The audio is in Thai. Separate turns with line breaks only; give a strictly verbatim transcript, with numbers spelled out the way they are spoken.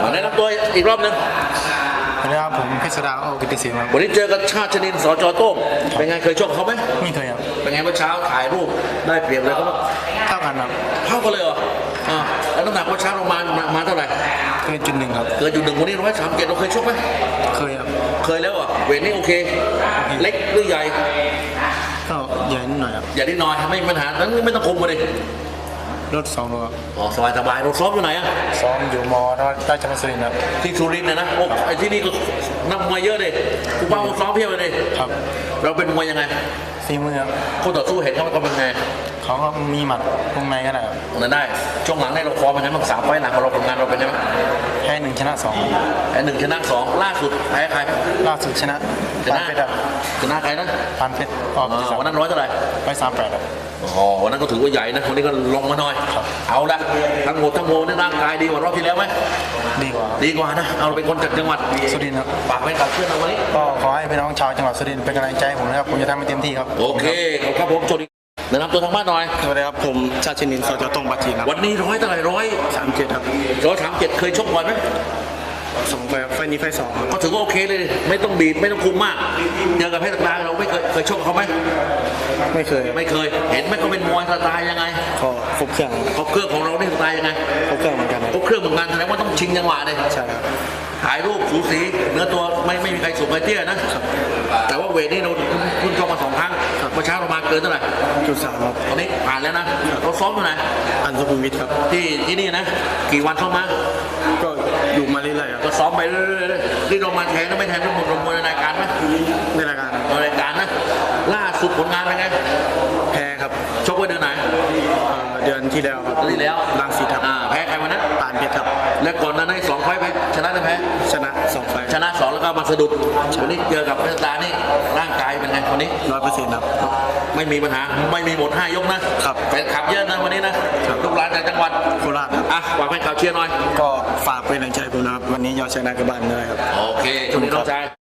แนะนำตัวอีกรอบหนึ่ง
สวัสดีครับผมเพชรดาโอกิติศิลป์ครับ
วันนี้เจอกับชาติชนินสจโต้งเป็นไงเคยชกเขาไหม
ไม่เคยครับ
เป็นไงเมื่อเช้าถ่ายรูปได้เปรียบเลยเขา
เท่ากันครับ
เท่ากันเลยเหรออ่าแล้วน้ำหนักเมื่อเช้าลงมามาเท่าไหร่
เกินจุดหนึ่งครับ
เกินจุดหนึ่งวันนี้ร้อยสามเจ็ดเราเคยชกไหม
เคยครับ
เคยแล้วอ่ะเวทนี้โอเคเล็กหรือใหญ่
ก็ใหญ่นิดหน่อยครับ
ใหญ่นิดหน่อยไม่มีปัญหานั้นไม่ต้องคุมมาเลย
รถสองโลครับ
อ๋อสบายสบายเราซ้อมอยู่ไหนอ่ะ
ซ้อมอยู่มอราชพัฒสุรินทร์ครับ
ที่สุรินทร์นะนะโอ้ไอ้ที่นี่ก็นักมวยเยอะเลยกูเป้าซ้อมเพียบเลย
ครับ
เราเป็นมวยยังไง
ฝีมือครับ
คู่ต่อสู้เห็นเขาเป็นไง
เขาก็มีหมัดวงในก็ได้
นั่นได้ช่วงหลังในเราคอเป็นไงบ้างสามไฟหลังของเราผลงานเราเป็นไงบ้าง
แพ้หนึ่งชนะสอง
แพ้หนึ่งชนะสองล่าสุดแพ้ใคร
ล่าสุดชนะ
ชนะชนะใครนะ
พันเพชรออก
วันนั้นร้อยเท่าไหร่
ร้อยสามแปดครับ
อ๋อวันนั้นก็ถือว่าใหญ่นะวันนี้ก็ลงมาหน่อยเอาละทั้งหมดทั้งมวลนี่ร่างกายดีกว่ารอบที่แล้วไหม
ดีกว่า
ดีกว่านะเอาเป็นคนจากจังหวัด
สุรินทร์ครับ
ฝากไว้กับเพื่อนเราวันนี้
ก็ขอให้พี่น้องชาวจังหวัดสุรินทร์เป็นกำลังใจให้ผมนะครับผมจะทำให้เต็มที่ครับ
โอเคขอบคุณผมโจดีแนะนำตัวทางบ้านหน่อย
สวัสดีครับผมชาติชนินสจตงบัตรีครับ
วันนี้ร้อยเท่าไหร่ร้อย
สามเจ็ดครับ
ร้อยสามเจ็ดเคยชกบ่อยไหม
สองไฟไฟนี้ไฟสอง
ก็ถือว่าโอเคเลยไม่ต้องบีบไม่ต้องคุมมากเจอกับเพชรตาเราไม่เคยเคยชกเขาไหม
ไม่เคย
ไม่เคยเห็นไหมเขาเป็นมวยสไตล์ยังไง
ก็ครบเครื่อง
ครบเครื่องของเราเนี่ยสไตล์ยังไง
ครบเครื่องเหมือนกัน
ครบเครื่องเหมือนกันแสดงว่าต้องชิงจังหวะเลย
ใช่ครับ
ถ่ายรูปสูสีเนื้อตัวไม่ไม่มีใครสูงใครเตี้ยนะแต่ว่าเวทนี่เราคุณชกมาสองครั้งเมื่อเช้าเรามาเกินเท่าไหร่
จุดสามครับ
ตอนนี้ผ่านแล้วนะเราซ้อมอยู่ไหน
อันสุขุมวิทครับ
ที่ที่นี่นะกี่วันเข้ามา
ก็อยู่มาเรื่อยๆ
ก็ซ้อมไปเรื่อยๆที่เรามาแทนก็ไม่แทนทุกคนลงมวยในรายการไหม
ในรายการ
ในรายการนะล่าสุดผลงานเป็นไง
แพ้ครับ
ชกไว้เดือนไหน
เดือนที่แล้วครับ
ที่แล้ว
บางสิทธิ์ครับ
แพ้ใครวันนั้น
ปานเพชรครับ
แล้วก่อนนั้นได้สองไฟไปชนะหรือแพ้
ชนะสองไฟ
ชนะสองแล้วก็มาสะดุดวันนี้เจอกับเพชรตานี่ร่างกายเป็นไงวันนี้
ร้อยเปอร์เซ็นต์ครับ
ไม่มีปัญหาไม่มีหมดห้ายกนะครับแฟนขับเยอะนะวันนี้นะลูกหลานจากจังหวัด
โคราชครับ
อ่ะฝากให้ข่าวเชียร์หน่อย
ก็ฝากเป็นแรงใจผมนะครับวันนี้ยอดชนะกับบ้านด้วยครับ
โอเคช่วงนี้น้องชาย